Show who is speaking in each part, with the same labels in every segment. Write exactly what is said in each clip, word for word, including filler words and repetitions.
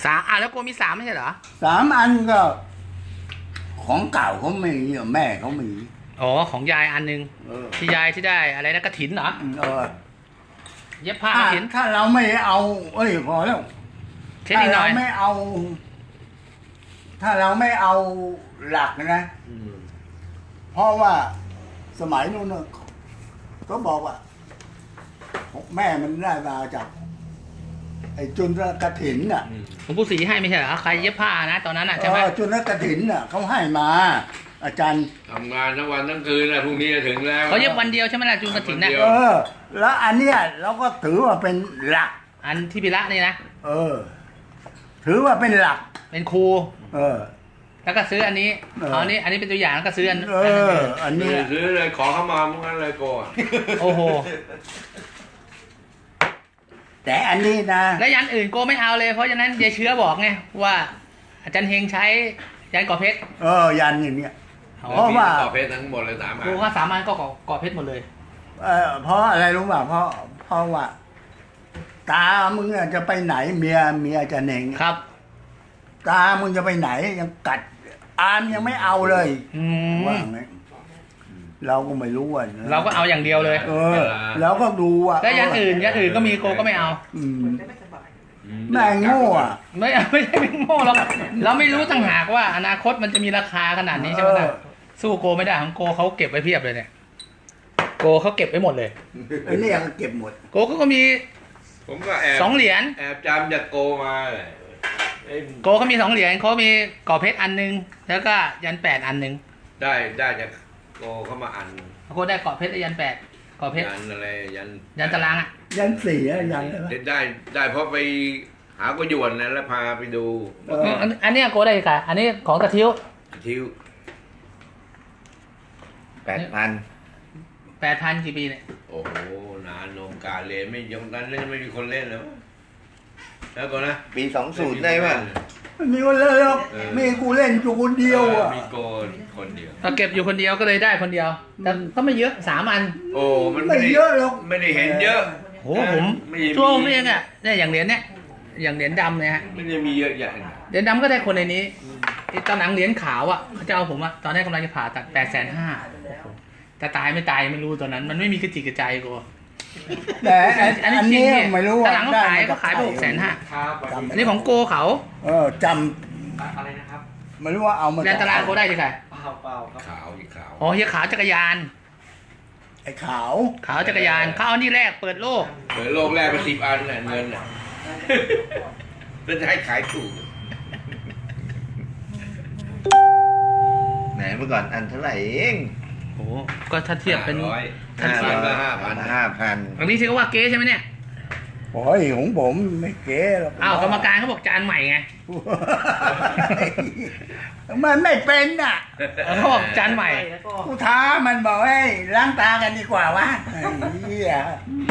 Speaker 1: สามอ่ะแล้วโกมีสามไม่ใช่เหรอ
Speaker 2: สามอันก็ของเก่าเขามีแม่เขามี
Speaker 1: อ๋อของยายอันหนึ่งที่ยายที่ได้อะไรนะกระถินเหรอ
Speaker 2: เออ
Speaker 1: เย็บผ้ากระถิน
Speaker 2: ถ้าเราไม่เอาเอ้ยพอแล้วถ้าเราไม่เอา ถ้าเราไม่เอาหลักนะเพราะว่าสมัยนู้นก็บอกว่าแม่มันได้มาจากไอ้จุลกฐินน่ะ
Speaker 1: หลวงปู่ศรีให้ไม่ใช่เหรอใครเย็บผ้านะตอนนั้นอ่ะใช่ไหม
Speaker 2: จุลกฐินน่ะเขาให้มา อาจารย์
Speaker 3: ทำงานทั้งวันทั้งคืนนะพรุ่งนี้จะถึงแล้ว
Speaker 1: เขาเย็บวันเดียวใช่ไหมล่ะจุลกฐินน่ะ
Speaker 2: เออแล้วอันเนี้ยเราก็ถือว่าเป็นหลัก
Speaker 1: อันที่พิระนี่นะ
Speaker 2: เออถือว่าเป็นหลัก
Speaker 1: เป็นครู
Speaker 2: เออ
Speaker 1: แล้วก็ซื้ออันนี้อ๋อนี่อันนี้เป็นตัวอย่างแล้วก็ซื้ออัน
Speaker 2: เอออันนี้
Speaker 3: ซื้อเลยขอเข้ามามึงนั้นเลยโกะ
Speaker 1: โอ้โห
Speaker 2: แต่อันนี้นะ
Speaker 1: แล้วยันอื่นโกไม่เอาเลยเพราะฉะนั้นยายเชื้อบอกไงว่าอาจารย์เฮงใช้ยันก่อเพชร
Speaker 2: เออยันอย่างเนี้ย
Speaker 3: เพราะว่าก่อเพชรทั้งหมดเลยสามอัน
Speaker 1: โกก็สามอันก็ก่อก่อเพชรหมดเลย
Speaker 2: เออเพราะอะไรรู้ป่ะเพราะเพราะว่าตามึงจะไปไหนเมียเมียจะเน่ง
Speaker 1: ครับ
Speaker 2: ตามึงจะไปไหนยังกัดอามยังไม่เอาเลยว่าไงเราก็ไม่รู้อ่ะ
Speaker 1: เราก็เอาอย่างเดียวเลย
Speaker 2: เออแล้วก็ดูอ่ะ
Speaker 1: แล้วอย่างอื่นอย่างอื่นก็มีโกก็ไม่เอา
Speaker 2: แม่งโง่อ่ะ
Speaker 1: ไม่ไม่ใช่ไม่โง่เราเราไม่รู้ต่างหากว่าอนาคตมันจะมีราคาขนาดนี้ใช่ไหมล่ะสู้โกไม่ได้ของโกเขาเก็บไว้เพียบเลยเนี่ยโกเขาเก็บไว้หมดเลย
Speaker 2: ไอ้นี่ยังเก็บหมด
Speaker 1: โกเขาก็มี
Speaker 3: ผมก็แอบ
Speaker 1: สองเหรียญ
Speaker 3: แอบจำจากโกมา
Speaker 1: โกเขามีสองเหรียญเขามีก่อเพชรอันนึงแล้วก็ยันแปดอันนึง
Speaker 3: ได้ได้จากโกเข้ามาอัน
Speaker 1: โกได้ก่อเพชรยันแปดก่อเพชร
Speaker 3: ยันอะไรยัน
Speaker 1: ยันตารางอ่ะ
Speaker 2: ยันสี่อะยัน
Speaker 3: ได้ได้เพราะไปหาก็หยวนนะแล้วพาไปดู
Speaker 1: อันนี้โกได้ค่ะอันนี้ของกระทิ้ว
Speaker 3: ทิ้วแปดพัน
Speaker 1: แปดพันกี่ปีเนี่ย
Speaker 3: โอ้โหนานนมการเรียนไม่ยงนั้นเล่นไม่มีคนเล่นแล้วแล้วก็นะ
Speaker 4: ปีสองศูนย์ได้ป่ะ
Speaker 2: มีคนเล่นหรอกมีกูเล่นอยู่คนเดียวอ่ะ
Speaker 3: มีโกนคนเดียว
Speaker 1: เราเก็บอยู่คนเดียวก็เลยได้คนเดียวแต่ก็ไม่เยอะสามอัน
Speaker 3: โอ้มัน
Speaker 2: ไม่เยอะหรอก
Speaker 3: ไม่ได้เห็นเยอะ
Speaker 1: โอ้ผมช่วงนี้เนี่ยเนี่ยอย่างเหรียญเนี่ยอย่างเหรียญดำเนี่ยฮะ
Speaker 3: ไม่ได้มีเยอะใหญ่
Speaker 1: เหรียญดำก็ได้คนในนี้ตอนหลังเหรียญขาวอ่ะเขาจะเอาผมอ่ะตอนแรกกำลังจะผ่าตัดแปดแสนห้าแต่ตายไม่ตายไม่รู้ตอนนั้นมันไม่มีกระจิกกระใจกู
Speaker 2: แต่อันนี้ไม่รู้ว่า
Speaker 1: หลังเขาขายเขาขายไปหกแสนห้าอันนี้ของโกเขา
Speaker 2: เออจำ
Speaker 1: อะไรนะครับ
Speaker 2: ไม่รู้ว่าเอามา
Speaker 1: แลนตารางโกได้ที่ไหน
Speaker 3: เปล่าเปล่าขาวอีกขาว
Speaker 1: อ๋อเฮียขาวจักรยาน
Speaker 2: ไอ้ขาว
Speaker 1: ขาวจักรยานเขาเอานี่แรกเปิดโลก
Speaker 3: เปิดโลกแรกไปสิบอันน่ะเงินน่ะจะให้ขายถูก
Speaker 4: ไหนเมื่อก่อนอันเท่าไหร่เอง
Speaker 1: โอ้ก็ถ้าเทียบเป็น
Speaker 3: ท่านเทียบก็ห้าพัน
Speaker 4: ห้าพัน
Speaker 1: อันนี้ชื่อว่าเก๊ใช่ไหมเนี่ย
Speaker 2: โอ้ยของผมไม่เก๊หรอก
Speaker 1: อ้าวกรรมการเขาบอกจานใหม่ไง
Speaker 2: มันไม่เป็นอ่ะ
Speaker 1: เขาบอกจานใหม่
Speaker 2: กูท้ามันบอกให้ล้างตากันดีกว่าวะเฮีย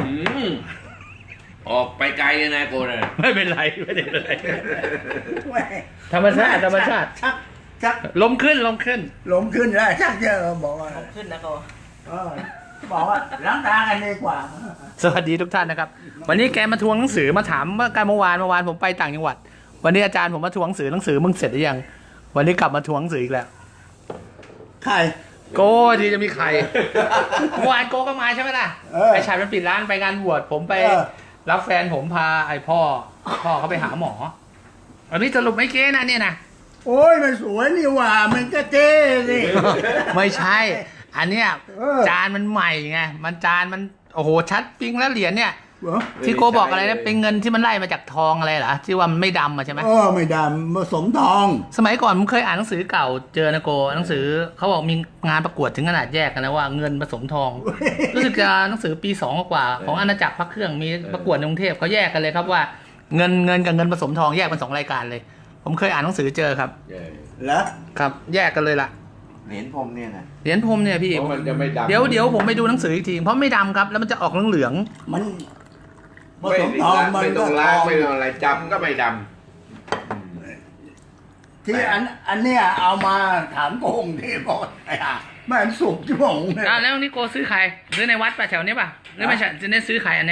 Speaker 3: ออกไปไกลเลยนะโกน
Speaker 1: ไม่เป็นไรไม่เป็นไรธรรมชาติธรรมชาติ
Speaker 2: ชักชัก
Speaker 1: ลมขึ้นลมขึ้น
Speaker 2: ลมขึ้นแล้วชักเยอะบอกว่า
Speaker 1: ลมขึ้นนะโก
Speaker 2: บอกว่าล้างตากันดีกว่า
Speaker 1: สวัสดีทุกท่านนะครับวันนี้แกมาทวงหนังสือมาถามว่าการเมื่อวานเมื่อวานผมไปต่างจังหวัดวันนี้อาจารย์ผมมาทวงหนังสือหนังสือมึงเสร็จหรือยังวันนี้กลับมาทวงหนังสืออีกแล้ว
Speaker 2: ใคร
Speaker 1: โกที่จะมีใครเมื่อวานโกก็มาใช่ไหมล่ะไอชายมันปิดร้านไปงานบวชผมไปรับแฟนผมพาไอพ่อพ่อเขาไปหาหมออันนี้สรุปไม่เก๊นะเนี่ยนะ
Speaker 2: โอ้ยมันสวยนี่ว่ามันก็เจ๊สิ
Speaker 1: ไม่ใช่อันเนี้ยจานมันใหม่ไงมันจานมันโอ้โหชัดปิ้งแล้วเหรียญเนี่ยที่โกบอกอะไรนะเป็นเงินที่มันไล่มาจากทองอะไรเหรอที่ว่ามันไม่ดำอะใช่ไหม
Speaker 2: เออไม่ดำผสมทอง
Speaker 1: สมัยก่อนผมเคยอ่านหนังสือเก่าเจอนะโกหนังสือเขาบอกมีงานประกวดถึงขนาดแยกกันนะว่าเงินผสมทองรู้สึกจะหนังสือปีสองกว่าของอาณาจักรพระเครื่องมีประกวดในกรุงเทพเขาแยกกันเลยครับว่าเงินเงินกับเงินผสมทองแยกเป็นสองรายการเลยผมเคยอ่านหนังสือเจอครับ
Speaker 2: แล้ว
Speaker 1: ครับแยกกันเลยล่ะ
Speaker 4: เหรียญพรมเนี่ยนะ
Speaker 1: เหรียญพรมเนี่ยพี่เดี๋ยวเดี๋ยวผมไปดูหนังสืออีกทีเพราะไม่ดำครับแล้วมันจะออกเหลือง
Speaker 2: มัน
Speaker 3: ผสมทองมันก็ล้างไม่อะไรจำก็ไม่ด
Speaker 2: ำที่อันอันเนี้ยเอามาถามโกงที่บอกไอ้ห่าแม่สุกจิ๋วง
Speaker 1: เนี่ยแล้วนี่โกซื้อใครซื้อในวัดป่ะแถวนี้ป่ะหรือไม่ใช่จะเนี่ยซื้อใครอันเนี้ย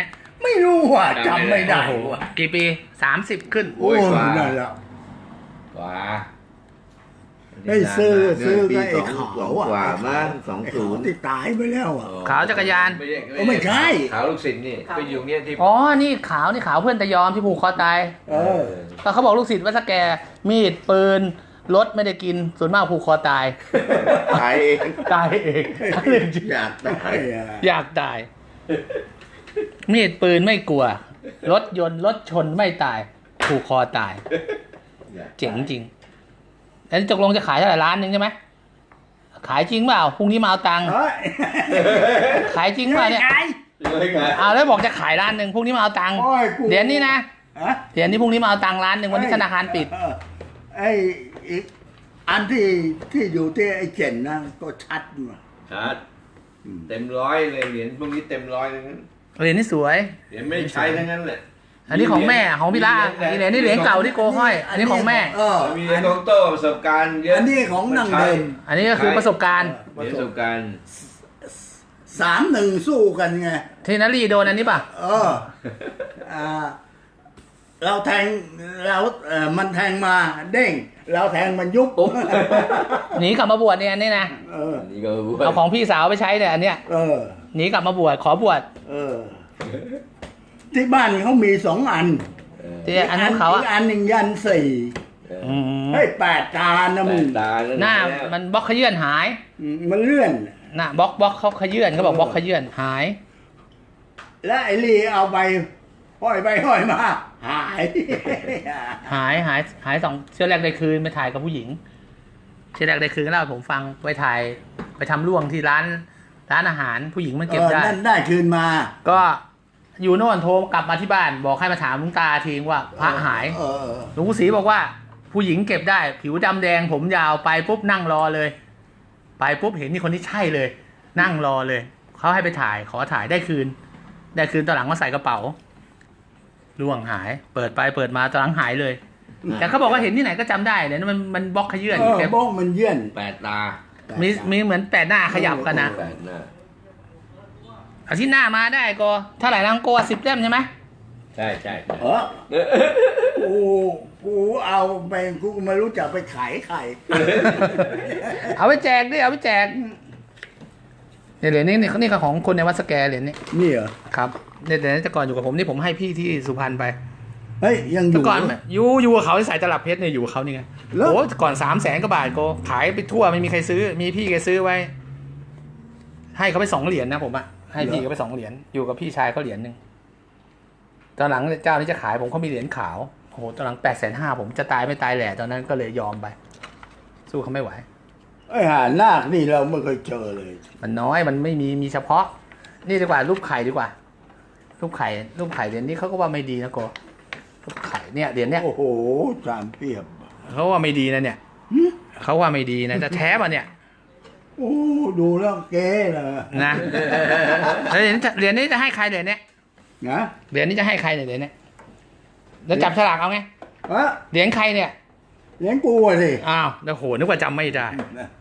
Speaker 2: ไม่รู้ว่ะจำไม่ได้
Speaker 1: โอ้โห
Speaker 2: ว่ะ
Speaker 1: กี่ปีสามสิบขึ้น
Speaker 3: โอ้ยกว่า
Speaker 2: นั่นแหละ
Speaker 3: กว่า
Speaker 2: ไอ้ซื้อ
Speaker 4: เดื
Speaker 2: ซื้
Speaker 4: น
Speaker 2: อ
Speaker 4: ปี
Speaker 2: ก็ไอ้
Speaker 4: สอง
Speaker 2: ขาว
Speaker 4: สอง
Speaker 2: อ่ะ
Speaker 4: กว่ามั้งสอง
Speaker 2: ไอ้
Speaker 4: ศู
Speaker 2: ขาวน
Speaker 4: ย์
Speaker 2: ที่ตายไปแล้วอ่ะ
Speaker 1: ขาวจักรยาน
Speaker 3: ไม่ใช่
Speaker 2: เออไม่ใช่
Speaker 3: ขาวลูกศิษย์นี่ไปอยู่เนี้ยที่
Speaker 1: อ๋อ นี่ขาวนี่ขาวเพื่อนตะยอมที่ผูกคอตาย
Speaker 2: เออ
Speaker 1: ก็เขาบอกลูกศิษย์ว่าสแกมีดปืนรถไม่ได้กินส่วนมากผูกคอตาย
Speaker 4: ตายเอง
Speaker 1: ตายเองเรื่องจริง
Speaker 4: อยากตาย
Speaker 1: อยากตาย มีดปืนไม่กลัว รถยนต์รถชนไม่ตาย ผูกคอตาย เจ๋งจริงแล้วตกลงจะขายเท่าไหร่ล้านหนึ่งใช่ไหมขายจริงเปล่าพรุ่งนี้มาเอาตังค์
Speaker 2: เฮ้ย
Speaker 1: ขายจริงเปล่าเนี่ย
Speaker 3: เลยไง
Speaker 1: เอาแล้วบอกจะขายล้านหนึ่งพรุ่งนี้มาเอาตังค์
Speaker 2: โอ้ยกู
Speaker 1: เดี๋ยวนี้นะ
Speaker 2: ฮะ
Speaker 1: เดี๋ยวนี้พรุ่งนี้มาเอาตังค์ล้านหนึ่งวันนี้ธนาคารปิด
Speaker 2: เออไอ้อีกอันที่ที่อยู่ที่ไอ้เจนนะก็ชัดมา
Speaker 3: ชัดเต็มร้อยเลยเหรียญพวกนี้เต็มร้อยทั้งนั้น
Speaker 1: เหรียญนี่สวย
Speaker 3: เหรียญไม่ได้ใช้ทั้งนั้นแหละ
Speaker 1: อันนี้ของแม่ของพี่ละนี่เหรียญนี่เหรียญเก่าที่โกห้อย อันนี้ของแม่
Speaker 2: เออ
Speaker 3: มีเหรียญของโต้ประสบการณ์เยอะ
Speaker 2: อันนี้ของนางเดิม
Speaker 1: อันนี้ก็คือประสบการณ์
Speaker 3: เหรียญประสบการณ์
Speaker 2: สามหนึ่งสู้กันไง
Speaker 1: ที่นารีโดนอันนี้ป่ะ
Speaker 2: เอออ่าเราแทงเราเออมันแทงมาเด้ง เราแทงมันยุบ
Speaker 3: ปุ๊บ
Speaker 1: หนีกลับมาบวชเนี่ยอันนี้นะ
Speaker 2: เออ
Speaker 3: อันนี้ก็บวช
Speaker 1: เอาของพี่สาวไปใช้เนี่ยอันเนี้ย
Speaker 2: เออ
Speaker 1: หนีกลับมาบวชขอบวช
Speaker 2: เออ ที่บ้านเขามีสองอัน
Speaker 3: เออ
Speaker 1: ที่อันนั้นเขา
Speaker 2: อี
Speaker 1: อะ
Speaker 2: กอันหนึ่งยันสี่
Speaker 3: เออ
Speaker 1: อืม
Speaker 2: เฮ้ยแปดตานะ
Speaker 3: แป
Speaker 2: มึง
Speaker 3: ดตาแล้ว
Speaker 1: หน้า
Speaker 3: แล้ว
Speaker 1: มันบล็อกขยื่นหาย
Speaker 2: อืมมันเลื่อน
Speaker 1: น่ะบล็อกบล็อกเขาขยื่นเขาบอกบล็อกขยื่นหาย
Speaker 2: และไอ้ลีเอาไปห้อยไปห้อยมา หาย
Speaker 1: หายหายหายสองเชื่อแรกได้คืนไปถ่ายกับผู้หญิงเชื่อแรกได้คืนก็เล่าให้ผมฟังไปถ่ายไปทำร่วงที่ร้านร้านอาหารผู้หญิงมันเก็บได้
Speaker 2: ออนั่นได้คืนมา
Speaker 1: ก็อยู่โน่นโทรกลับมาที่บ้าน บอกให้มาถามลุงตาทิ้งว่าพระหาย
Speaker 2: เออเออ
Speaker 1: หลวงปู่ศรีบอกว่า ผู้หญิงเก็บได้ ผิวดำแดงผมยาวไปปุ๊บนั่งรอเลย ไปปุ๊บเห็นนี่คนที่ใช่เลย นั่งรอเลยเขาให้ไปถ่ายขอถ่ายได้คืน ได้คืนตอนหลังมาใส่กระเป๋าล่วงหาย เปิดไปเปิดมาตอนหลังหายเลย แต่เขาบอกว่าเห็นที่ไหนก็จำได้เลยนะมันมันบล็อกขยื่น
Speaker 2: เออ
Speaker 1: แก
Speaker 2: บ้องมันเยื่อน
Speaker 3: แปดตา
Speaker 1: มีมีเหมือนแปดหน้าขยับกันนะ
Speaker 3: แปดหน้า
Speaker 1: อาทิตย์หน้ามาได้ก็เท่าไหร่ลังโกสิบเล่มใช่ไหม
Speaker 3: ใช่ใช่ใช่
Speaker 2: เออกูกูเอาไปกูไม่รู้จักไปขายใคร
Speaker 1: เอาไปแจกดิเอาไปแจกเนี่ยเหรียญนี้นี่นี่คือของคนในวัดสแกเหรียญนี้
Speaker 2: นี่เหรอ
Speaker 1: ครับเนี่ยเหรียญนี้แต่ก่อนอยู่กับผมนี่ผมให้พี่ที่สุพรรณไป
Speaker 2: เฮ้ยยังอ
Speaker 1: แต่
Speaker 2: ยู่
Speaker 1: ก่อนอยู่อยู่กับเขาที่สายตลับเพชรเนี่ยอยู่กับเขานี่ไง
Speaker 2: เหรอ
Speaker 1: โอ้แต่ก่อนสามแสนกว่าบาทโกขายไปทั่วไม่มีใครซื้อ มีพี่แกซื้อไว้ ให้เขาไปสองเหรียญนะผมอะให้พี่เขาไปสองเหรียญอยู่กับพี่ชายเขาเหรียญหนึ่งตอนหลังเจ้านี้จะขายผมเขามีเหรียญขาวโอ้โหตอนหลังแปดแสนห้าผมจะตายไม่ตายแหละตอนนั้นก็เลยยอมไป สู้เขาไม่ไหว
Speaker 2: ไอ้ห่านาคนี่เราไม่เคยเจอเลย
Speaker 1: มันน้อยมันไม่มีมีเฉพาะ นี่ดีกว่ารูปไข่ดีกว่า รูปไข่รูปไข่เหรียญนี้เขาก็ว่าไม่ดีนะโกรูปไข่เนี่ยเหรียญเนี้ย
Speaker 2: โอ้โหจามเปรียบ
Speaker 1: เขาว่าไม่ดีนะเนี่ยเขาว่าไม่ดีนะแต่แท้ป่ะเนี่ย
Speaker 2: โอ้ดูแล้วเก๋เลย
Speaker 1: นะแล้วเหรียญเหรียญนี้จะให้ใครเหรียญเนี้ย
Speaker 2: นะ
Speaker 1: เหรียญนี้จะให้ใครเนี่ยเหรียญเนี้ยแล้วจับฉลากเอาไง
Speaker 2: เอะ
Speaker 1: เหรียญใครเนี่ย
Speaker 2: เลี้ยงกูอะสิ
Speaker 1: อ้าวแล้วโหนึกว่าจำไม่ได้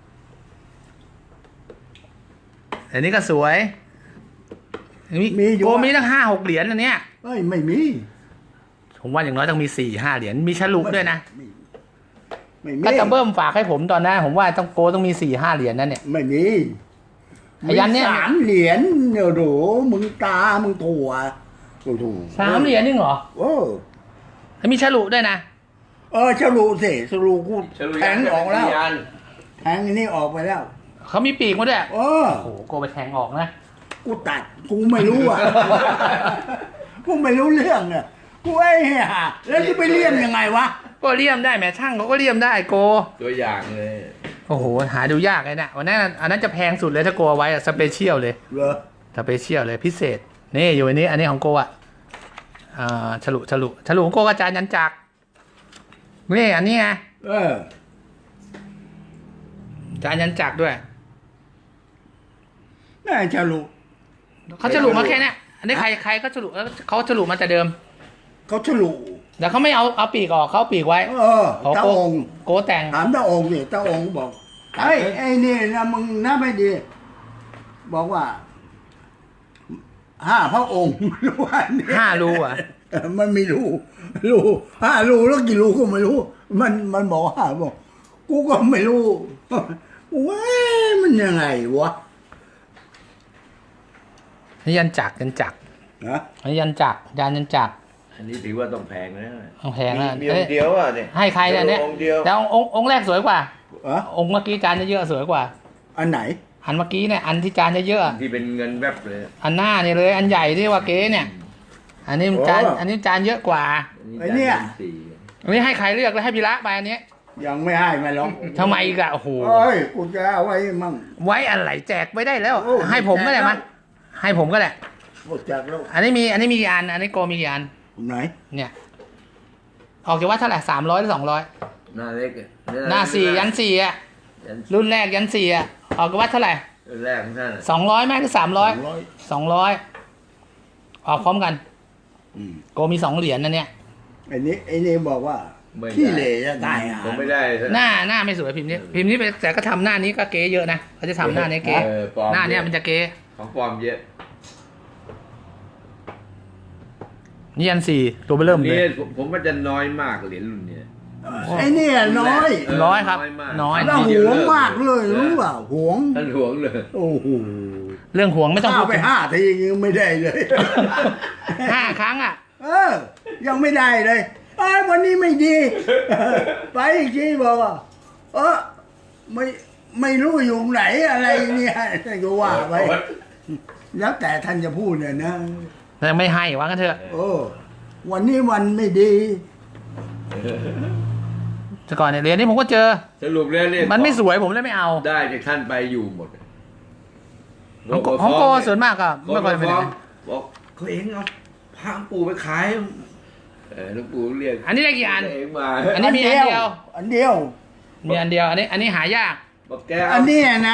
Speaker 1: เหรียญนี้ก็สวยมี
Speaker 2: มีอยู่
Speaker 1: โก
Speaker 2: อะ
Speaker 1: มีตั้งห้าหกเหรียญอันเนี้ย
Speaker 2: เอ้ยไม่มี
Speaker 1: ผมว่าอย่างน้อยต้องมีสี่ห้าเหรียญมีฉลุด้วยนะ
Speaker 2: ไม่ไม่มี
Speaker 1: ก็จะเบิ้มฝากให้ผมตอนนั้นผมว่าต้องโกต้องมีสี่ห้าเหรียญนั่นเนี่ย
Speaker 2: ไม่มี
Speaker 1: ไอ้ยันเนี่ย
Speaker 2: มีสามเหรียญเนี่ยโหมึงตามึงถั่วโอ้โห
Speaker 1: สามเหรียญนี่เหรอ
Speaker 2: โอ้
Speaker 1: แล้วมีฉลุด้วยนะ
Speaker 2: เออฉลูสิฉลูกู
Speaker 3: ฉลุ
Speaker 2: แทงออกแล้ว
Speaker 3: ยัน
Speaker 2: แทงอันนี้ออกไปแล้ว
Speaker 1: เขามีปีกมาด้วย
Speaker 2: เออ
Speaker 1: โอ้โหโกไปแทงออกนะ
Speaker 2: กูตัดกูไม่รู้อ่ะ กูไม่รู้เรื่องอ่ะกูไอ้เหี้ยแล้วจะไปเลี่ยมยังไงวะ
Speaker 1: ก็เลี่ยมได้แหมช่างเขาก็เลี่ยมได้โก
Speaker 3: ตัวอย่างเลย
Speaker 1: โอ้โหหาดูยากเลยนะวันนั้นอันนั้นจะแพงสุดเลยถ้าโกเอาไว้อะสเปเชียลเลย
Speaker 2: เหรอ
Speaker 1: สเปเชียลเลยพิเศษนี่อยู่อันนี้ อันนี้ของโกอ่ะอ่าฉลุฉลุฉลุของโกกระจายยันจักรนี่อันนี้ไง
Speaker 2: เออ
Speaker 1: จานยันจักรด้วย
Speaker 2: น่าฉลู
Speaker 1: เขาฉลุมาแค่เนี้ยอันนี้ใครใครก็ฉลุแล้วเขาฉลุมาแต่เดิม
Speaker 2: เขาฉลู
Speaker 1: แต่เขาไม่เอาเอาปีกออกเขาเอาปีกไว้
Speaker 2: เออ
Speaker 1: ของ
Speaker 2: ตา
Speaker 1: โก
Speaker 2: องค์
Speaker 1: โกแต่ง
Speaker 2: ถามตาองค์นี่ตาองค์บอกไอ้ไอ้นี่นะมึงน่าไม่ดี บอกว่าห้าพระองค์ วันนี้
Speaker 1: ห้ารูอ่ะ
Speaker 2: เออมันมีรูรูห้ารูแล้วกี่รูก็ไม่รู้ มันมันบอกห้าบอกกูก็ไม่รู้ว้ามันยังไงวะ
Speaker 1: นี่ยันจักรยันจักร
Speaker 2: นะ
Speaker 1: อันนี้ยันจักรยานยันจักร
Speaker 3: อันนี้ถือว่าต้องแพงนะ
Speaker 1: ต้องแพง
Speaker 4: มี
Speaker 1: นะ
Speaker 4: มีองค์เดียวอ่ะเนี่ย
Speaker 1: ให้ใครเนี่ยเนี่ย
Speaker 4: องค์เดียว
Speaker 1: แล้วองค์องค์แรกสวยกว่า
Speaker 2: เอะ
Speaker 1: องค์เมื่อกี้จานเยอะๆสวยกว่า
Speaker 2: อันไหน
Speaker 1: อันเมื่อกี้เนี่ยอันที่จานเยอะๆอะ
Speaker 3: ที่เป็นเงินแวบเลย
Speaker 1: อันหน้าเนี่ยเลย อันใหญ่ที่ว่าเก๊เนี่ย อันนี้มันจานอันนี้จานเยอะกว่า
Speaker 2: ไอ้เนี่ย
Speaker 3: สี่
Speaker 1: อันนี้ให้ใครเลือกแล้วให้พี่ละไปอันนี้
Speaker 2: ยังไม่ให้มาหรอก
Speaker 1: ทำไมอีกอะโอ้โห
Speaker 2: เอ้ยกูจะเอาไว้มั่ง
Speaker 1: ไว้อะไรแจกไม่ได้แล้ว
Speaker 2: โอ้
Speaker 1: ให้ผมก็ได้มาให้ผมก็ได้
Speaker 2: หมดจากแล้ว
Speaker 1: อันนี้มีอันนี้มีกี่อันอันนี้โกมีกี่อัน
Speaker 2: ไหน
Speaker 1: เนี่ย ออกจากว่าเท่าไหร่สามร้อยหรือสองร้อย
Speaker 3: หน้าเล็กอะ
Speaker 1: หน้าสี่ยันสี่อะ
Speaker 3: ยัน
Speaker 1: รุ่นแรกยันสี่อะออกจากว่าเท่าไหร่
Speaker 3: แรกของท่านอะ
Speaker 1: สองร้อยไหมหรือสามร้อย
Speaker 2: สองร้อย
Speaker 1: สองร้อยออกพร้อมกัน
Speaker 2: อืม
Speaker 1: โกมีสองเหรียญนะเนี่ย
Speaker 2: ไอ้นี้ไอ้นี่บอกว่า
Speaker 3: ไม่ได้
Speaker 2: ขี้เหร่จะตายอ่ะ
Speaker 3: ผมไม่ได้
Speaker 1: หน้าหน้าไม่สวยพิมพ์นี้พิมพ์นี้ไปแต่ก็ทำหน้านี้ก็เก๋เยอะนะเขาจะทำหน้านี้เก๋
Speaker 3: เออปลอม
Speaker 1: หน้าเนี้ยมันจะเก๋
Speaker 3: ของปลอมเยอะ
Speaker 1: นี่ยันสี่ตัวเบอร์เริ่มเล
Speaker 3: นี่
Speaker 1: ย
Speaker 3: ผมผมว่าจะน้อยมากเหรียญรุ่นเนี้ย
Speaker 2: ไอ้เนี่ยน้อย
Speaker 3: เออ
Speaker 1: น้อยครับ
Speaker 3: น้อยมาก
Speaker 1: น้อย
Speaker 2: น่าหวงมากเลยรู้เปล่าหวง
Speaker 3: ท่านหวงเลย
Speaker 2: โอ้โห
Speaker 1: เรื่องห่วงไม่ต้อง
Speaker 2: ข้า
Speaker 1: พูด
Speaker 2: ไปห้าทียังไม่ได้เลย
Speaker 1: ห้าครั้งอ่ะ
Speaker 2: เออ ยังไม่ได้เลยไอ้ยวันนี้ไม่ดี ไปอีกทีบอกว่าเออไม่ไม่รู้อยู่ไหนอะไรเนี่ยก็ว่าไปแล้วแต่ท่านจะพูดเนี่ยนะ
Speaker 1: แต่ไม่ให้ว่ากันเถอะ
Speaker 2: โอ้วันนี้วันไม่ดี
Speaker 1: แต่ก่อนเนี่ยเหรียญนี้ผมก็เจอ
Speaker 3: สรุปแล้วเนี่ย
Speaker 1: มันไม่สวยผมเลยไม่เอา
Speaker 3: ได้จากท่านไปอยู่หมด
Speaker 1: ของโกของโกส่วนมากก็
Speaker 3: ไม่
Speaker 1: ไม่ค่อยเป็น
Speaker 3: ฟ้
Speaker 1: ไร
Speaker 3: องบอกเขาเองเอาพระปู่ไปขายเออหลูกปู่เรียก
Speaker 1: อันนี้ได้กี่อัน
Speaker 3: เองมา
Speaker 1: อันนี้มีอันเดียว
Speaker 2: อันเดียว
Speaker 1: มีอันเดียว อันนี้ อันนี้หายาก
Speaker 3: บอกแก
Speaker 2: อั
Speaker 3: เอา
Speaker 2: นนี้นะ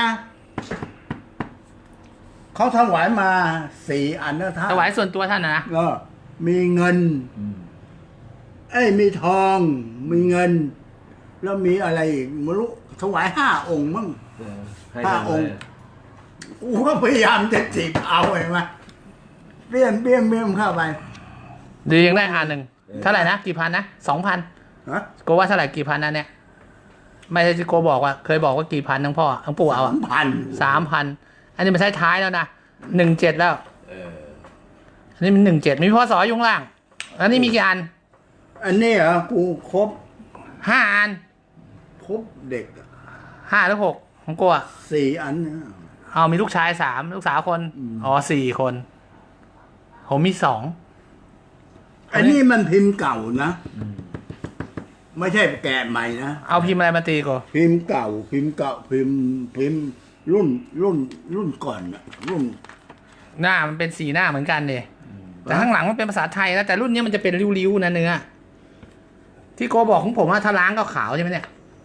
Speaker 2: เขาถวายมาสี่อันนะท่าน
Speaker 1: ถวายส่วนตัวท่านนะนะ
Speaker 2: ก็มีเงิน เอ้ยมีทอง มีเงิน แล้วมีอะไรอีกไม่รู้ถวายห้าองค์มั้ง
Speaker 3: เออให้
Speaker 2: ห้า
Speaker 3: ทำ
Speaker 2: องค์
Speaker 3: ไว้
Speaker 2: กูก็พยายามจะจีบเอาเห็นไหมเปี้ยนเปี้ยนเปี้ยนเข้าไป
Speaker 1: ดียังได้อันหนึ่งเท่าไหร่นะกี่พันนะสองพัน
Speaker 2: ฮะ
Speaker 1: โกว่าเท่าไหร่กี่พันนะเนี่ยไม่ใช่ที่โกบอกว่า เคยบอกว่ากี่พันทั้งพ่อทั้งปู่เอา
Speaker 2: สามพัน
Speaker 1: สามพันอันนี้มันใช้ท้ายแล้วนะหนึ่งเจ็ดแล้ว
Speaker 3: เออ
Speaker 1: อันนี้มันหนึ่งเจ็ดมีพ่อสออยู่ข้างล่างอันนี้มีกี่อัน
Speaker 2: อันนี้เหรอกูครบ
Speaker 1: ห้าอัน
Speaker 2: ครบเด็กอะ
Speaker 1: ห้าหรือหกของโกอ่ะ
Speaker 2: สี่อันนะ
Speaker 1: เอามีลูกชายสามลูกสาวคน
Speaker 2: อืม
Speaker 1: อ๋อสี่คน ผมมีสอง
Speaker 2: อันนี้มันพิมพ์เก่านะ ไม่ใช่แกะใหม่นะ
Speaker 1: เอาพิมพ์อะไรมาตีโก
Speaker 2: พิมพ์เก่า พิมพ์เก่าพิมพ์พิมพ์รุ่นรุ่นรุ่นก่อนอะรุ่น
Speaker 1: หน้ามันเป็นสีหน้าเหมือนกันเนี่ยแต่ข้างหลังมันเป็นภาษาไทยนะแต่รุ่นนี้มันจะเป็นริ้วๆนะเนื้อที่โกบอกของผมว่าถ้าล้างก็ขาวใช่ไหมเนี่ย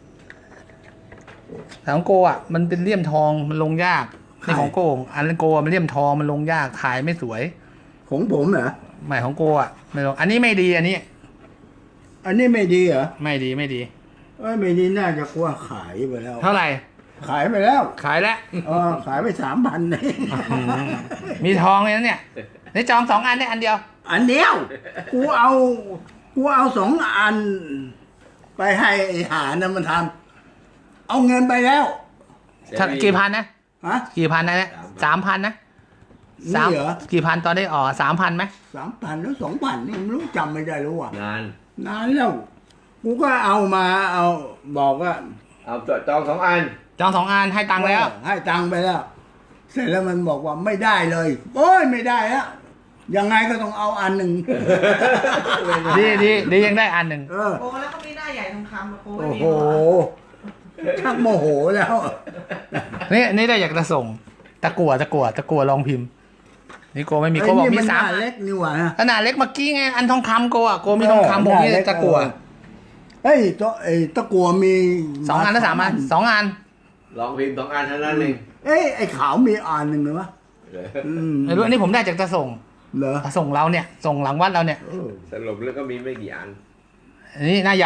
Speaker 1: แต่ของโกอ่ะมันเป็นเลี่ยมทองมันลงยากนี่ของโกอันโกมันเลี่ยมทองมันลงยากถ่ายไม่สวย
Speaker 2: ของผมเหรอ
Speaker 1: ใหม่ของโกอ่ะไม่ลงอันนี้ไม่ดีอันนี้
Speaker 2: อันนี้ไม่ดีเหรอ
Speaker 1: ไม่ดีไม่ดี
Speaker 2: เอ้ยไม่ดีน่าจะกว่าขายไปแล้ว
Speaker 1: เท่าไหร่
Speaker 2: ขายไปแล้ว
Speaker 1: ขายแล้ว
Speaker 2: เออขายไปสามพันเอง
Speaker 1: มีทองเลยนะเนี่ยในจองสองอันได้อันเดียว
Speaker 2: อันเดียว กูเอา กูเอาสองอัน ไปให้ไอ้หานะมันทำเอาเงินไปแล้ว
Speaker 1: ถ้ากี่พันนะ
Speaker 2: ฮะ
Speaker 1: กี่พันนะเนี่ยสามพันนะ
Speaker 2: นี่เหรอ
Speaker 1: กี่พันตอนได้ออกสามพันไหม
Speaker 2: สามพันแล้วสองพันนี่ไม่รู้จำไม่ได้รู้อ่ะ
Speaker 3: นาน
Speaker 2: นานแล้ว กูก็เอามาเอาบอกว่า
Speaker 3: เอาจองสองอัน
Speaker 1: จองสองอันให้ตังค์แล้ว
Speaker 2: ให้ตังค์ไปแล้ว เสร็จแล้วมันบอกว่าไม่ได้เลยโอ้ยไม่ได้แล้วยังไงก็ต้องเอาอันหนึ่ง
Speaker 1: ดีดีดียังได้อันหนึ่ง
Speaker 2: เออ
Speaker 5: โอ้แล้วก็มีหน้าใหญ่ทองคำอะโอ้
Speaker 2: โอ้
Speaker 5: ย
Speaker 2: โหชักโมโหแล้ว
Speaker 1: นี่นี่ได้อยากจะส่ง ตะกั่วตะกั่วตะกั่วลองพิมพ์ นี่โกไม่มีโกบอกมี
Speaker 2: ไอ้นี่น
Speaker 1: สาม
Speaker 2: หน้เล็กนี่หว่า
Speaker 1: ขนาดเล็กเมื่อกี้ไงอันทองคำโกอ่ะโกมีทองคำผมมีตะกั่ว
Speaker 2: เฮ้ยตัวไอ้ตะกั่วมี
Speaker 1: สองอันหรือสามอันสองอัน
Speaker 3: ลองพิมพ์สองอันเท่านั้นเอง
Speaker 2: เอ้ยไอ้ขาวมีอันหนึ่งเหรอวะ
Speaker 3: เออ
Speaker 2: อืม
Speaker 1: ไม่รู้อันนี้ผมได้จากจะส่ง
Speaker 2: เหรอ
Speaker 1: ส่งเราเนี่ย ส่งหลังวัดเราเนี่ย
Speaker 2: เออ
Speaker 3: สรุปแล้วก็มีไม่กี่อัน
Speaker 1: อันนี้หน้าใหญ่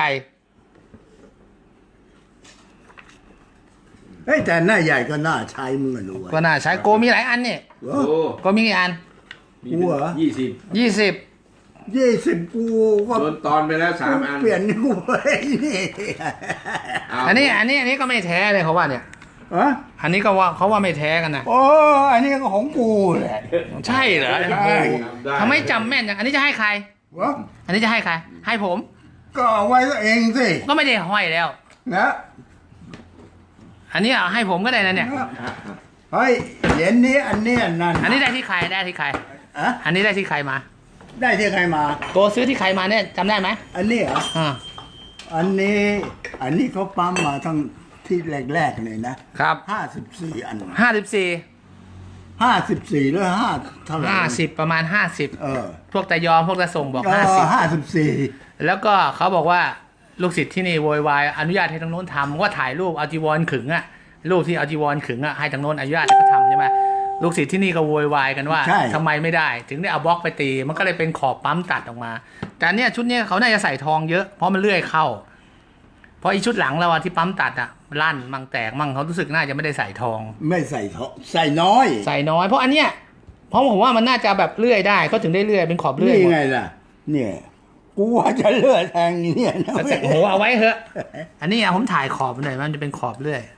Speaker 2: เฮ้ยแต่หน้าใหญ่ก็น่าใช้มึงอะรู้
Speaker 1: ก็น่าใช้โกมีหลายอันเนี่ย
Speaker 2: เอ
Speaker 3: โอ้
Speaker 2: อ
Speaker 1: โกมีกี่อัน
Speaker 2: กูเหรอ
Speaker 3: ยี่สิบ
Speaker 1: ยี่สิบ
Speaker 2: ยี่สิบกูก็
Speaker 3: โดนตอนไปแล้วสามอัน
Speaker 2: เปลี่ยนกูไปนี่
Speaker 3: เา
Speaker 1: อันนี้อันนี้อันนี้ก็ไม่แท้เลยเขาว่าเนี่ย
Speaker 2: อะ
Speaker 1: อันนี้ก็ว่าเขาว่าไม่แท้กันนะ
Speaker 2: โอ้อันนี้ก็ของกูแหละ
Speaker 1: ใช่เหรอ
Speaker 2: ใช่
Speaker 3: ด้
Speaker 1: ทำไมจำแม่นจังอันนี้จะให้ใคร
Speaker 2: วะ
Speaker 1: อันนี้จะให้ใคร ให้ผม
Speaker 2: ก็เอาไว้เองสิ
Speaker 1: ก็ไม่ได้ห้อยแล้ว
Speaker 2: นะ
Speaker 1: อันนี้เอาให้ผมก็ได้นะเนี่ย
Speaker 2: เฮ้ยเหรียญนี้อันนี้อันนั้น
Speaker 1: อันนี้ได้ที่ใครได้ที่ใคร
Speaker 2: อะ
Speaker 1: อันนี้ได้ที่ใครมา
Speaker 2: ได้ที่ใครมา
Speaker 1: โกซื้อที่ใครมาเนี่ยจำได้ไหม
Speaker 2: อันนี้เหรอ
Speaker 1: อ่า
Speaker 2: อันนี้ อันนี้เขาปั๊มมาทั้งที่แรกๆเลยนะครับ ห้าสิบสี่อัน
Speaker 1: ห้าสิบสี่
Speaker 2: ห้าสิบสี่หรือห้าเท่าไหร่
Speaker 1: ห้าสิบประมาณห้าสิบ
Speaker 2: เออ
Speaker 1: พวกตายอมพวกตาส่งบอก
Speaker 2: เอ
Speaker 1: ห้า
Speaker 2: อ
Speaker 1: สิบ
Speaker 2: ห้าสิบสี่
Speaker 1: แล้วก็เขาบอกว่าลูกศิษย์ที่นี่โวยวายอนุญาตให้ทางโน้นทำว่าถ่ายรูปเอาจีวรขึงอะรูปที่เอาจีวรขึงอะให้ทางโน้นอนุญาตให้เขาทำใช่ไหมลูกศิษย์ที่นี่ก็โวยวายกันว่าทำไมไม่ได้ ถึงได้เอาบล็อกไปตี มันก็เลยเป็นขอบปั๊มตัดออกมา แต่อันเนี้ยชุดเนี้ยเขาน่าจะใส่ทองเยอะเพราะมันเลื่อยเข้า เพราะอีชุดหลังเราอะที่ปั๊มตัดอะลั่นมั่งแตกมั่งเขารู้สึกน่าจะไม่ได้ใส่ทอง
Speaker 2: ไม่ใส่ทองใส่น้อย
Speaker 1: ใส่น้อยเพราะอันเนี้ยเพราะผมว่ามันน่าจะแบบเลื่อยได้ก็ถึงได้เลื่อยเป็นขอบเลื่อย
Speaker 2: นี่
Speaker 1: หมด
Speaker 2: ไงล่ะ เนี่ย กูว่าจะเลือดแทงเนี่ยนะ
Speaker 1: แล้วแต่โอ้โหเอาไว้เถอะ อันนี้อะผมถ่ายขอบหน่อยมันจะเป็นขอบเลื่อย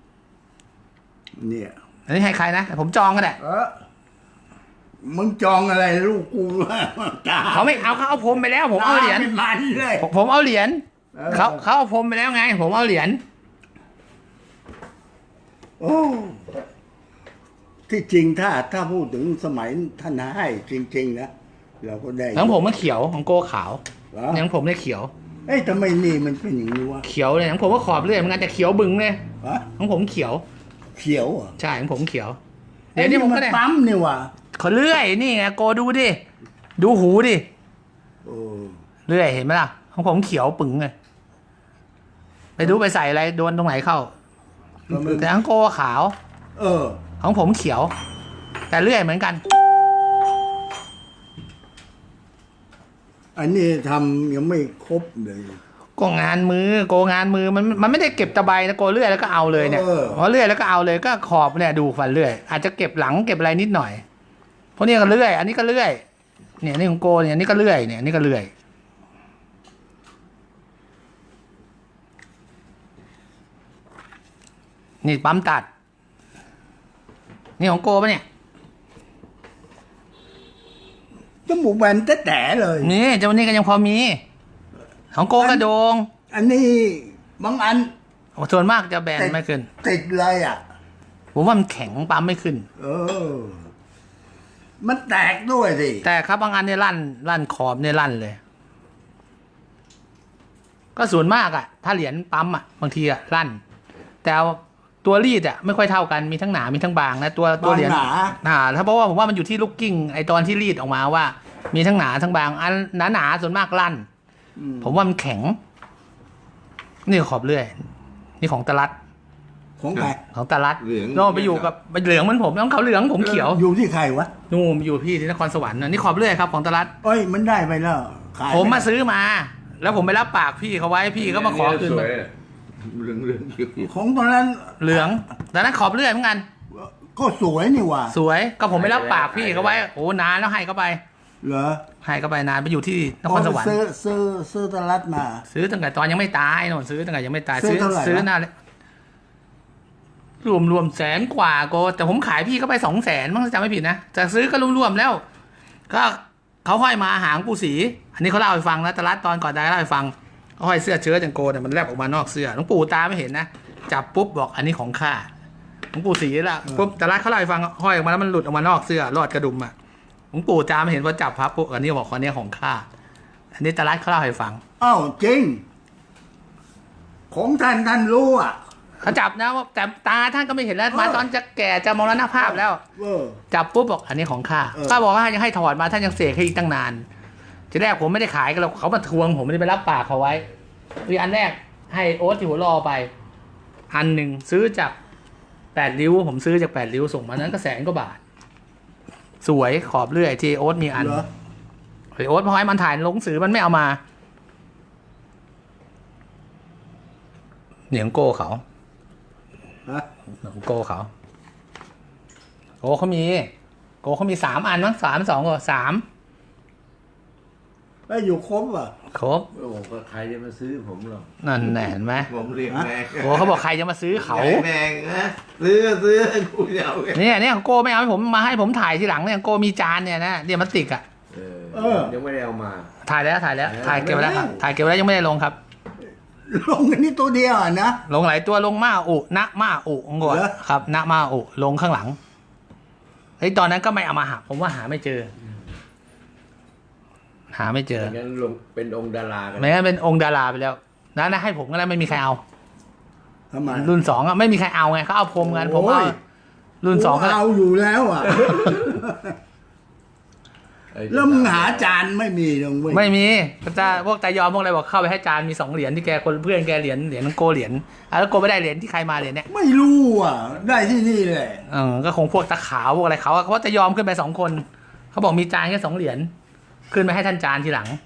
Speaker 2: เนี่ย
Speaker 1: อันนี้ให้ใครนะผมจองก็ได้
Speaker 2: เออมึงจองอะไรลูกกูตา
Speaker 1: เขาไม่เอาเขาเอาผมไปแล้ว ผมเอาเหรียญ
Speaker 2: ตไม่มันเลย
Speaker 1: ผมผมเอาเหรียญ
Speaker 2: เออ
Speaker 1: เขาเขาเอาผมไปแล้วไง ผมเอาเหรียญ
Speaker 2: โอ้ที่จริงถ้าถ้าพูดถึงสมัยท่านให้จริงๆนะเราก็ได้
Speaker 1: ของผมมันเขียวของโกขาว
Speaker 2: เหรอ
Speaker 1: ของผมเนี่ยเขียว
Speaker 2: เอ้ยทำไมนี่มันเป็นอย่างนี้วะ
Speaker 1: เขียวเลยของผมก็ขอบเลื่อยเหมือนกันแต่เขียวบึ้งเลย
Speaker 2: ฮะ
Speaker 1: ของผมเขียว
Speaker 2: เขียวเหรอ่ะ
Speaker 1: ใช่ของผมเขียว เดี๋ยวนี้ผมก็ได้
Speaker 2: ปั๊มนี่ว่ะ
Speaker 1: เขาเลื่อยนี่ไงโกดูดิดูหูดิ
Speaker 2: โอ้
Speaker 1: เลื่อยเห็นไหมล่ะของผมเขียวปึ๋งเลยไปดูไปใส่อะไรโดนตรงไหนเข้า
Speaker 2: ก็มัน
Speaker 1: แต่ของโกขาว
Speaker 2: เออ
Speaker 1: ของผมเขียว แต่เลื่อยเหมือนกัน
Speaker 2: อันนี้ทำยังไม่ครบเลย
Speaker 1: ก็งานมือโกงานมือมันมันไม่ได้เก็บตะไบนะโกเลื่อยแล้วก็เอาเลยเนี่ย
Speaker 2: เออ
Speaker 1: พอเลื่อยแล้วก็เอาเลยก็ขอบเนี่ยดูฟันเลื่อยอาจจะเก็บหลังเก็บอะไรนิดหน่อยเพราะนี่ก็เลื่อย อันนี้ก็เลื่อยเนี่ยนี่ของโกเนี่ยอันนี่ก็เลื่อยเนี่ยอันนี่ก็เลื่อยนี่ปั๊มตัดนี่ของโกปะเนี่ย
Speaker 2: จมูกแบนแแต่ๆเลย
Speaker 1: นี่เจ้านี่ก็ยังพอมี ของโกกระโดง
Speaker 2: อันนี้บางอัน
Speaker 1: ส่วนมากจะแบนไม่ขึ้น
Speaker 2: ติดเลยอ่ะ
Speaker 1: ผมว่ามันแข็งปั๊มไม่ขึ้น
Speaker 2: เออ มันแตกด้วยสิ
Speaker 1: แต่ครับบางอันเนี่ยลั่นลั่นขอบเนี่ยลั่นเลย ก็ส่วนมากอะถ้าเหรียญปั๊มอะบางทีอะลั่น แต่ตัวรีดอะไม่ค่อยเท่ากันมีทั้งหนามีทั้งบางนะตัวตัวเหรียญ
Speaker 2: หนา
Speaker 1: หนาถ้าเพราะว่าผมว่ามันอยู่ที่ลูกกิ้งไอตอนที่รีดออกมาว่า มีทั้งหนาทั้งบาง อันหนาหนาๆส่วนมากลั่น
Speaker 2: อืม
Speaker 1: ผมว่ามันแข็ง นี่ขอบเลื่อย นี่ของตะลัด
Speaker 2: ของใคร
Speaker 1: ของตะลัด
Speaker 3: เหลือง
Speaker 1: โน่นไปอยู่กับเหลืองเหมือนผมน้องเขาเหลืองผมเขียว
Speaker 2: อยู่ที่ใครวะ
Speaker 1: นู่นอยู่พี่ที่นครสวรรค์นะนี่ขอบเลื่อยครับของตะลัด
Speaker 2: เอ้ย มันได้ไปแล้วขาย
Speaker 1: ผมมา
Speaker 2: ไได้
Speaker 1: ซื้อมา แล้วผมไปรับปากพี่เขาไว้พี่ก็มาขอคืน
Speaker 3: ส
Speaker 1: มา
Speaker 3: วยอะเหลืองเหลืองๆเขียว
Speaker 2: ของตอนนั้น
Speaker 1: เหลืองแต่นั้นขอบเลื่อยเหมือนกัน
Speaker 2: ก็สวยนี่ว่ะ
Speaker 1: สวยก็ผมไปรับปากพี่เขาไว้โอ้นานแล้วให้เขาไป
Speaker 2: เหรอ
Speaker 1: ให้เขาไปนานไปอยู่ที่นครสวรรค์
Speaker 2: ซื้อซื้อซื้อตลาดมา
Speaker 1: ซื้อตั้งแต่ตอนยังไม่ตายโน่นซื้อตั้งแต่ยังไม่ตาย
Speaker 2: ซื้อเท่าไหร่
Speaker 1: ซื้อ
Speaker 2: วะ
Speaker 1: หน้าเลยรวมรวมแสนกว่าโกแต่ผมขายพี่เขาไปสองแสนมั้งถ้าจำไม่ผิดนะแต่ซื้อก็รวมๆแล้ว ก็เขาห้อยมาหางปูสี อันนี้เขาเล่าให้ฟังนะตลาดตอนก่อนตายเล่าให้ฟังเขาห้อยเสื้อเชิ้ตอย่างโกเนี่ยมันแลบออกมานอกเสื้อหลวงปู่ตาไม่เห็นนะจับปุ๊บบอกอันนี้ของข้าหลวงปู่สีละปุ๊บตลาดเขาเล่าให้ฟังห้อยออกมาแล้วมันหลุดออกมานอกเสื้อรอดกระดุมอ่ะหลวงปู่ตาไม่เห็นว่าจับพับปุ๊บอันนี้บอกอันนี้ของข้าอันนี้ตลาดเขาเล่าให้ฟัง
Speaker 2: อ้าวจริง ของท่านท่านรู้อ่ะ
Speaker 1: เขาจับนะว่าแต่ตาท่านก็ไม่เห็นแล้ว
Speaker 2: เออ
Speaker 1: มาตอนจะแก่จะมรณภาพแล้ว
Speaker 2: เออ
Speaker 1: จับปุ๊บบอกอันนี้ของข้า
Speaker 2: เออ
Speaker 1: ข้าบอกว่ายังให้ถอดมาท่านยังเสกให้อีกตั้งนานทีแรกผมไม่ได้ขายกันหรอกเขามาทวงผมไม่ได้ไปรับปากเขาไว้วีอันแรกให้โอ๊ตที่หัวรอไป อันหนึ่งซื้อจากแปดริ้ว ผมซื้อจากแปดริ้วส่งมานั้นก็แสนกว่าบาท สวยขอบเลื่อยที่โอ๊ตมีอัน
Speaker 2: เหรอ
Speaker 1: ไอโอ๊ตพอให้มันถ่ายลงสือมันไม่เอามาเหนียงโก้เขา
Speaker 2: ฮะ
Speaker 1: ของโกเขาโอ้เขามีโกกเขามีสามอันมั้งสามสองก็สาม
Speaker 2: แล้วอยู่ครบอ่ะ
Speaker 1: ครบ
Speaker 3: โอ้โหก็ใครจะมาซื้อผมหรอก
Speaker 1: นั่นแหละเห็นไหม
Speaker 4: ผมเรียกแพง
Speaker 1: โกเขาบอกใครจะมาซื้อเขา
Speaker 4: แพงนะซื้อก็ซื้อกูจะเอาไง
Speaker 1: เนี่ยเนี่ยโกไม่เอาให้ผมมาให้ผมถ่ายทีหลังเนี่ยโกมีจานเนี่ยนะเดี๋ยวมันติกอะ
Speaker 3: เออ
Speaker 2: เออ
Speaker 3: ยังไม่ได้เอามา
Speaker 1: ถ่ายแล้วถ่ายแล้วถ่ายเก็บไว้แล้วครับถ่ายเก็บไว้แล้วยังไม่ได้ลงครับ
Speaker 2: ลงกันนี่ตัวเดียวอ่ะนะ
Speaker 1: ลงหลายตัวลงมาอุนะมาอุงวด
Speaker 2: เหรอ
Speaker 1: ครับนะมาอุลงข้างหลังเฮ้ยตอนนั้นก็ไม่เอามาหาผมว่าหาไม่เจอ หาไม่เจอ
Speaker 3: ไม่งั้นลงเป็นองค์ดารากัน
Speaker 1: ไม่งั้นเป็นองค์ดาราไปแล้วนะนะให้ผมก็แล้วไม่มีใครเอา
Speaker 2: ทำไม
Speaker 1: รุ่นสองอะไม่มีใครเอาไงเขาเอาพรมกันผมเอา
Speaker 2: โอ้ย
Speaker 1: รุ่นสองก็
Speaker 2: เอาอยู่แล้วอ่ะ แล้วมึงหาจานไม่มีตรงเว้ย
Speaker 1: ไม่มีก็จะพวกตายอมพวกอะไรบอกเข้าไปให้จานมีสองเหรียญที่แกคนเพื่อนแกเหรียญเหรียญโกเหรียญอ่ะแล้วโกไม่ได้เหรียญที่ใครมาเหรียญเนี้ย
Speaker 2: ไม่รู้อ่ะ ได้ที่นี่แหละ
Speaker 1: เออก็คงพวกตะขาวพวกอะไรเขาอะเขาจะยอมขึ้นไปสองคนเขาบอกมีจานแค่สองเหรียญขึ้นไปให้ท่านจานทีหลัง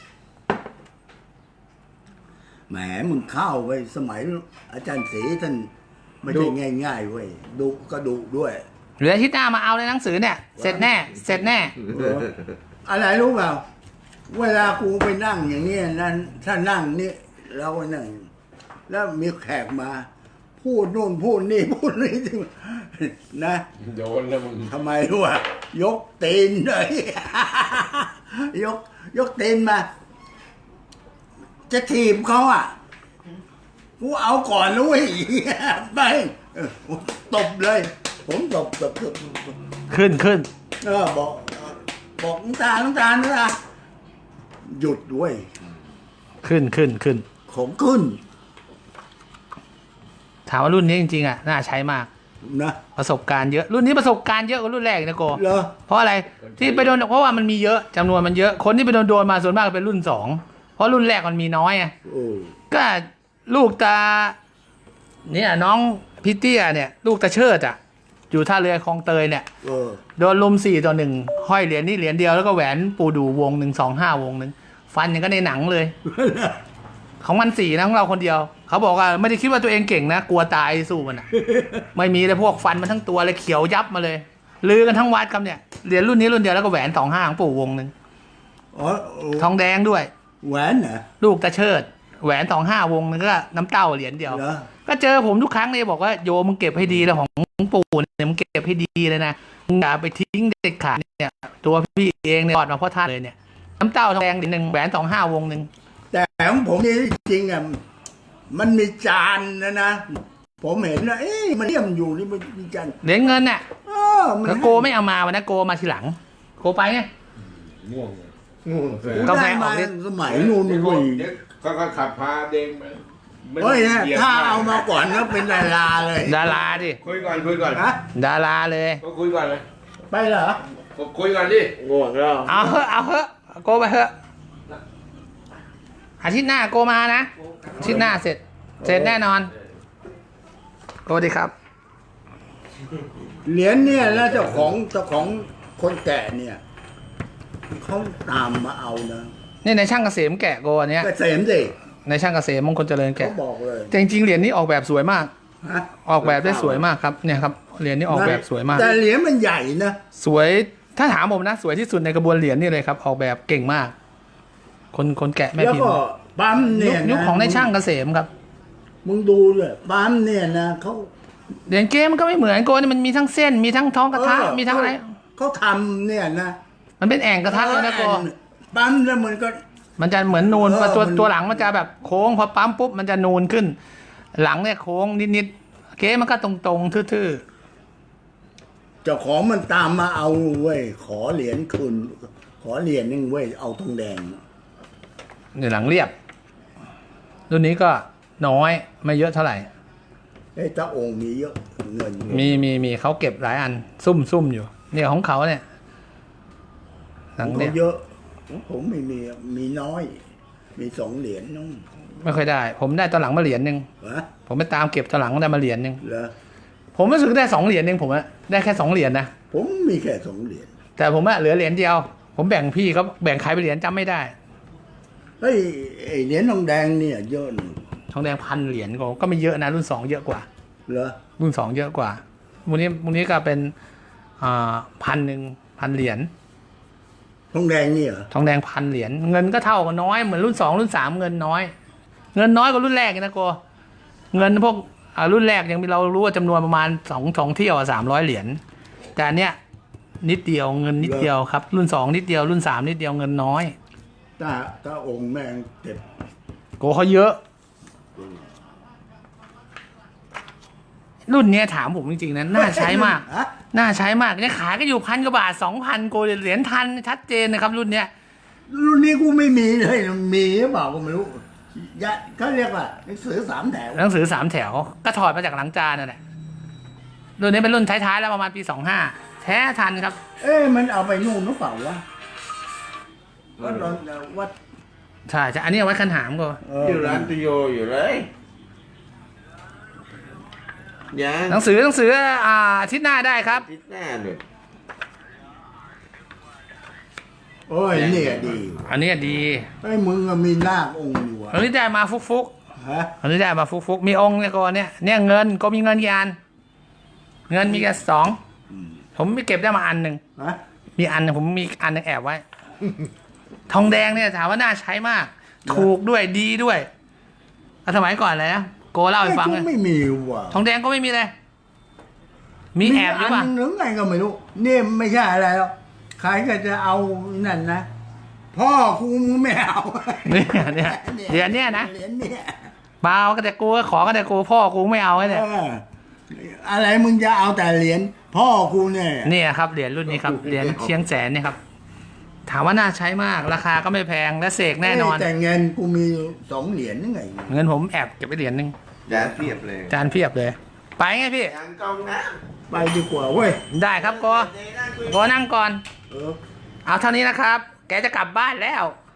Speaker 2: แหมมึงเข้าไปสมัยอาจารย์ศรีท่านไม่ใช่ง่ายๆเว้ยดุก็ดุด้วย
Speaker 1: เหลืออาที่หน้ามาเอาในหนังสือเนี่ยเสร็จแน่เสร็จแน่
Speaker 2: เอออะไรรู้เปล่าเวลากูไปนั่งอย่างนี้นั่นถ้านั่งนี่เราก็นั่งแล้วมีแขกมา พูดนู่นพูดนี่พูดนี่นะ
Speaker 3: โดนแล้วมึง
Speaker 2: ทำไมรู้อ่ะยกตีนเลย ยก ยกตีนมา จะถีบเขาอ่ะกูเอาก่อนนะเว้ย ไปเออตบเลย ผมตบตบตบตบ
Speaker 1: ขึ้นขึ้น
Speaker 2: เออบอกบอกน้ำตาลน้ำตาลน้ำตาลหยุดด้วย
Speaker 1: ขึ้นขึ้นขึ้น
Speaker 2: ของขึ้น
Speaker 1: ถามว่ารุ่นนี้จริงๆอ่ะน่าใช้มาก
Speaker 2: นะ
Speaker 1: ประสบการณ์เยอะรุ่นนี้ประสบการณ์เยอะกว่ารุ่นแรกนะโก
Speaker 2: เหรอ
Speaker 1: เพราะอะไรที่ไปโดนเพราะว่ามันมีเยอะจำนวนมันเยอะคนที่ไปโดนโดนมาส่วนมากเป็นรุ่นสองเพราะรุ่นแรกมันมีน้อยอ่ะ
Speaker 2: โอ้
Speaker 1: ก็ลูกตาเนี่ยน้องพิเตี้ยเนี่ย ลูกตาเชิดอ่ะ อยู่ท่าเรือคลองเตยเนี่ย
Speaker 2: เออ
Speaker 1: โดนลุมสี่ต่อหนึ่งห้อยเหรียญนี่เหรียญเดียวแล้วก็แหวนปูดูวงหนึ่งสองห้าวงหนึ่งฟันอย่างก็ในหนังเลย ของมันสี่นะของเราคนเดียว เขาบอกว่าไม่ได้คิดว่าตัวเองเก่งนะ กลัวตายสู้มันอ่ะ ไม่มีเลยพวกฟันมันทั้งตัวเลยเขียวยับมาเลยลือกันทั้งวัดครับเนี่ยเหรียญรุ่นนี้รุ่นเดียวแล้วก็แหวนสองห้าของปู่วงหนึ่ง
Speaker 2: อ๋อโอ้
Speaker 1: ทองแดงด้วย
Speaker 2: แหวนเหรอ
Speaker 1: ลูกตาเชิด แหวนสองห้าวงนึงก็น้ำเต้าเหรียญเดียว
Speaker 2: เหรอ
Speaker 1: ก็เจอผมทุกครั้งเลยบอกว่าโยมึงเก็บให้ดีแล้วของปู่เนี่ยมึงเก็บให้ดีเลยนะมึงอย่าไปทิ้งเด็ดขาดเนี่ยตัวพี่เองเนี่ยกอดมาพ่อท่านเลยเนี่ยน้ำเต้าทองแดงเหรียญหนึ่งแหวนสองห้าวงหนึ่ง
Speaker 2: แต่ของผมนี่จริงอ่ะมันมีจานนะนะ ผมเห็นนะเอ๊ะมันเลี่ยมอยู่นี่มันมีจาน
Speaker 1: เหรียญเงินเนี่ย
Speaker 2: เออมัน
Speaker 1: แล้วโกไม่เอามาวันนั้นโกมาทีหลัง โกไปไง
Speaker 3: ง่วงเลย
Speaker 4: งู
Speaker 1: กาแฟ
Speaker 2: ได้
Speaker 1: อ
Speaker 2: มา
Speaker 1: อกฤทธิ์
Speaker 2: สมัยนู่น
Speaker 3: เดี๋ยว
Speaker 2: เว้ย
Speaker 3: เดี๋ยวก็ก็ขับพาเด้งไปไม่ต้อง
Speaker 2: เฮ้ยเนี่ย
Speaker 3: หยียด
Speaker 2: ถ้าเอามาก่อนก็เป็นดาราเลย
Speaker 1: ดาราดิ
Speaker 3: คุยก่อนคุยก่อน
Speaker 2: ฮะ
Speaker 1: ดาราเลย
Speaker 3: ก็คุยก่อนเลย
Speaker 2: ไปเหรอ
Speaker 3: ก็คุยก่อนดิ
Speaker 4: ง่วงแล้ว
Speaker 1: เอาเถอะเอาเถอะโกไปเถอะอาทิตย์หน้าโกมานะอาทิตย์หน้าเสร็จ เสร็จแน่นอนโกดีครับ
Speaker 2: เหรียญเนี่ยแล้วเจ้าของเจ้าของคนแก่เนี่ยเขาตามมาเอานะ
Speaker 1: นี่ในช่างเกษมแกะโกอันเนี้ย
Speaker 2: เกษมสิ
Speaker 1: ในช่างเกษมมงคลเจริญ
Speaker 2: เขา
Speaker 1: แกะ
Speaker 2: บอกเลย
Speaker 1: แต่จริงๆเหรียญนี้ออกแบบสวยมาก
Speaker 2: ฮะ
Speaker 1: ออกแบบได้สวยมากครับเนี่ยครับเหรียญนี้ออกแบบสวยมาก
Speaker 2: แต่เหรียญมันใหญ่นะ
Speaker 1: สวยถ้าถามผมนะสวยที่สุดในกระบวนเหรียญนี่เลยครับ ออกแบบเก่งมาก คนคนแกะแม่
Speaker 2: แล้ว
Speaker 1: พิม
Speaker 2: ก็
Speaker 1: พ์
Speaker 2: ปั๊ม
Speaker 1: ยุ
Speaker 2: เนี่
Speaker 1: ค
Speaker 2: ยนะ
Speaker 1: ยุคของในช่างเกษมครับ
Speaker 2: มึงดูเลยปั๊มเนี่ยนะเขา
Speaker 1: เหรียญเกมมันก็ไม่เหมือนโกนี่มันมีทั้งเส้นมีทั้งท้องกระทะ
Speaker 2: เออ
Speaker 1: มีทั้งอะไร
Speaker 2: เขาทำเนี่ยนะ
Speaker 1: มันเป็นแอ่งกระทะเลยนะโก
Speaker 2: ปั๊มแล้วมันก็
Speaker 1: มันจะเหมือนนูน
Speaker 2: เออ
Speaker 1: ตัว
Speaker 2: มัน
Speaker 1: ตัวหลังมันจะแบบโค้งพอปั๊มปุ๊บมันจะนูนขึ้น หลังเนี่ยโค้งนิดๆเกมมันก็ตรงๆทื่อ
Speaker 2: เจ้าของมันตามมาเอาเว้ยขอเหรียญคืนขอเหรียญนึงเว้ยเอาทองแดง
Speaker 1: ๆเนี่ยหลังเรียบ รุ่นนี้ก็น้อยไม่เยอะเท่าไหร่
Speaker 2: เฮ้ยตาองค์มีเยอะเงิน
Speaker 1: มีมีมีเขาเก็บหลายอัน ซุ่มซุ่มอยู่ เนี่ยของเขาเนี่ยหลัง
Speaker 2: เขา
Speaker 1: เนี่ย
Speaker 2: เยอะของผมไม่มีมีน้อย มีสองเหรียญน้อง
Speaker 1: ไม่ค่อยได้ ผมได้ตอนหลังมาเหรียญหนึ่ง
Speaker 2: วะ
Speaker 1: ผมไปตามเก็บตอนหลังได้มาเหรียญหนึ่ง
Speaker 2: เหรอ
Speaker 1: ผมรู้สึกได้สองเหรียญเองผมอะได้แค่สองเหรียญนะ
Speaker 2: ผมมีแค่สองเหรียญ
Speaker 1: แต่ผมอะเหลือเหรียญเดียว ผมแบ่งพี่เขาแบ่งใครไปเหรียญจำไม่ได้
Speaker 2: เฮ้ยไอ้เหรียญทองแดงเนี่ยเยอะหนึ่ง
Speaker 1: ทองแดงพันเหรียญก็ก็ไม่เยอะนะรุ่นสองเยอะกว่า
Speaker 2: เหรอ
Speaker 1: รุ่นสองเยอะกว่ามูนี้มูนี้ก็เป็นอ่าพันหนึ่งพันเหรียญ
Speaker 2: ทองแดงนี่เหรอ
Speaker 1: ทองแดงพันเหรียญเงินก็เท่ากันน้อยเหมือนรุ่นสองรุ่นสามเงินน้อย เงินน้อยกว่ารุ่นแรกอีกนะโกเงินพวกอ่ารุ่นแรกยังมีเรารู้ว่าจำนวนประมาณสองสองเที่ยวสามร้อยเหรียญแต่อันเนี้ยนิดเดียวเงินนิดเดียวครับรุ่นสองนิดเดียวรุ่นสามนิดเดียวเงินน้อย
Speaker 2: ถ้าถ้าองค์แม่งเจ็บ
Speaker 1: โกเขาเยอะ รุ่นเนี้ยถามผมจริงๆนะน่าใช้มาก
Speaker 2: ฮะ
Speaker 1: น่าใช้มากเนี่ยขายก็อยู่พันกว่าบาทสองพันโกเหรียญทันชัดเจนนะครับ รุ่นเนี้ย
Speaker 2: รุ่นนี้กูไม่มีเลยมีหรือเปล่าก็ไม่รู้ยะเขาเรียกว่าหนังสือสามแถว
Speaker 1: หนังสือสามแถวก็ถอดมาจากหลังจานนั่นแหละรุ่นนี้เป็นรุ่นท้ายๆแล้วประมาณปีสองห้าแท้ทันครับ
Speaker 2: เอ๊ะมันเอาไปนู่นหรือเปล่าวะวัดวัด
Speaker 1: ใช่ใช่อันนี้เอาไว้คันหามก็
Speaker 2: เอ
Speaker 4: อยู่ร้านตุโยอยู่เลยยัง
Speaker 1: หนังสือหนังสืออ่าอาทิตย์หน้าได้ครับ
Speaker 4: ทิศหน้าหนึ่ง
Speaker 2: โอ้ยเนี่ยดี
Speaker 1: อันนี้ดี
Speaker 2: ไอ้ยมึงอะมีนาคองค์อยู่
Speaker 1: อัน
Speaker 2: อะ
Speaker 1: นี้ได้มาฟุก
Speaker 2: ฮะ
Speaker 1: ๆอันนี้ได้มาฟุกๆมีองค์เนี่ยก็เนี่ยเนี่ยเงินก็มีเงินกี่อันเงินมีแค่สองผมไม่เก็บได้มาอันหนึ่ง
Speaker 2: ฮะ
Speaker 1: มีอันหนึ่งผมมีอันหนึงแอบไว้ ทองแดงเนี่ยถามว่าน่าใช้มาก ถูกด้วยดีด้วยอ่ะสมัยก่อนเลยนะโกเล่าให้ฟัง
Speaker 2: ไอ้
Speaker 1: เลย
Speaker 2: กูไม่มีว่ะ
Speaker 1: ทองแดงก็ไม่มีเลย มีแอบหรือเปล่า
Speaker 2: นหนึ่งไงก็ไม่รู้นี่ไม่ใช่อะไรหรอกใครก็จะเอานั่นนะพ่อกูมึงไม่เอา
Speaker 1: เนี่ยเนี่ยเหรียญเนี่ยนะ
Speaker 2: เหรียญเนี่ย
Speaker 1: เปล่าก็แต่กูก็ขอก็แต่กูพ่อกูไม่เอาไอ้เนี่ย
Speaker 2: เอออะไรมึงจะเอาแต่เหรียญพ่อกูเนี่ย
Speaker 1: เนี่ยครับเหรียญรุ่นนี้ครับเหรียญเชียงแสนเนี่ยครับ ถามว่าน่าใช้มากราคาก็ไม่แพงและเสกแน่นอน
Speaker 2: แต่เงินกูมีสองเหรียญนี่ไง
Speaker 1: เงินผมแอบเก็บไปเหรียญหนึง
Speaker 4: จานเพียบเลย
Speaker 1: จานเพียบเลย ไปไงพี่
Speaker 4: ยังกองนะ
Speaker 2: ไปดีกว่าเว้ย
Speaker 1: ได้ครับโกโกนั่งก่อน
Speaker 2: เออ
Speaker 1: เอาเท่านี้นะครับ แกจะกลับบ้านแล้ว